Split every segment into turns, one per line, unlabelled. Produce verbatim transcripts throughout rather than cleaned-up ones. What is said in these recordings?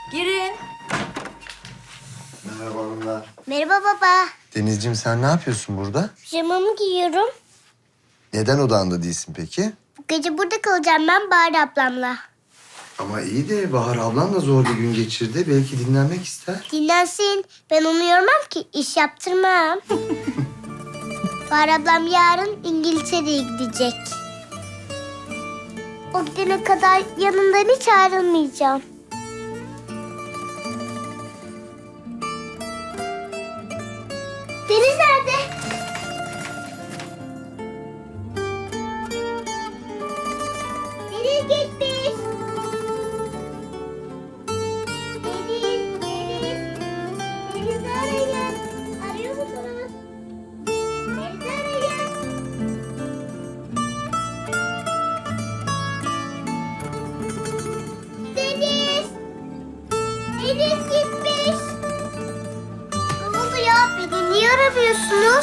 Girin.
Merhaba hanımlar.
Merhaba baba.
Denizciğim sen ne yapıyorsun burada?
Pijamamı giyiyorum.
Neden odanda değilsin peki?
Bu gece burada kalacağım ben Bahar ablamla.
Ama iyi de Bahar ablan da zor bir gün geçirdi. Belki dinlenmek ister.
Dinlensin. Ben onu yormam ki. İş yaptırmam. Bahar ablam yarın İngiltere'ye gidecek. O gidene kadar yanından hiç ayrılmayacağım. Deniz nerede? Deniz gitmiş. Deniz, Deniz. Deniz arayın. Arıyor musunuz? Deniz arayın. Deniz. Deniz gitmiş. Ne oldu ya? Beni niye aramıyorsunuz?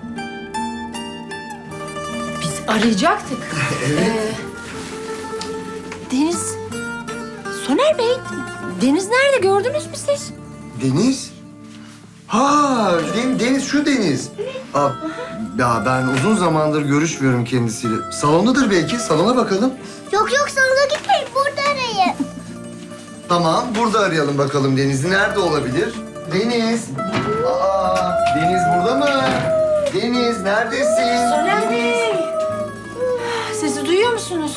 Biz arayacaktık.
Evet.
Ee, Deniz... Soner Bey, Deniz nerede? Gördünüz mü siz?
Deniz? Ha, Den- Deniz şu Deniz. Aa, ya ben uzun zamandır görüşmüyorum kendisiyle. Salondadır belki. Salona bakalım.
Yok yok salona gitmeyin. Burada arayın.
Tamam, burada arayalım bakalım Deniz. Nerede olabilir? Deniz. Aa, Deniz burada mı? Deniz neredesin?
Soner
Deniz.
Bey. Sesi duyuyor musunuz?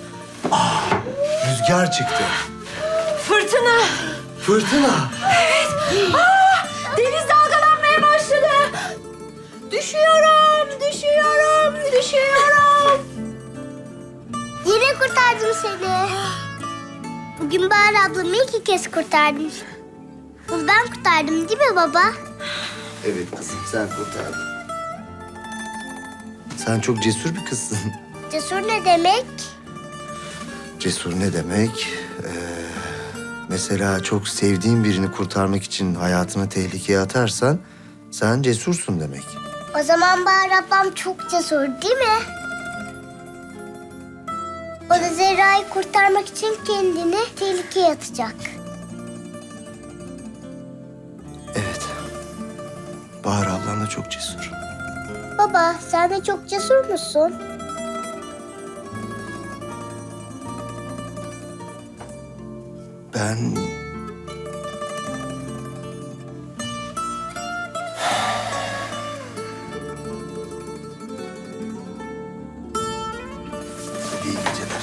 Rüzgar çıktı.
Fırtına.
Fırtına.
Aa, deniz dalgalanmaya başladı. Düşüyorum, düşüyorum, düşüyorum.
Yine kurtardım seni. Bugün Bahar ablamı iki kez kurtardım. Bunu ben kurtardım değil mi baba?
Evet kızım, sen kurtardın. Sen çok cesur bir kızsın.
Cesur ne demek?
Cesur ne demek? Ee, mesela çok sevdiğin birini kurtarmak için hayatını tehlikeye atarsan sen cesursun demek.
O zaman Bahar ablam çok cesur değil mi? O da Zerra'yı kurtarmak için kendini tehlikeye atacak.
Evet. Bahar ablan da çok cesur.
Baba sen de çok cesur musun?
Ben... İyi geceler.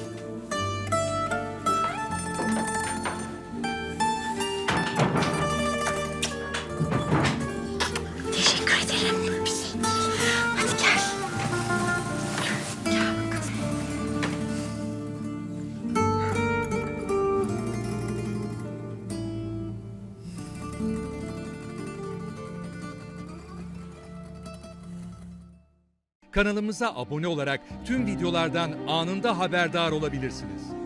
Teşekkür ederim. Bir şey değil. Hadi gel. Gel bakalım.
Kanalımıza abone olarak tüm videolardan anında haberdar olabilirsiniz.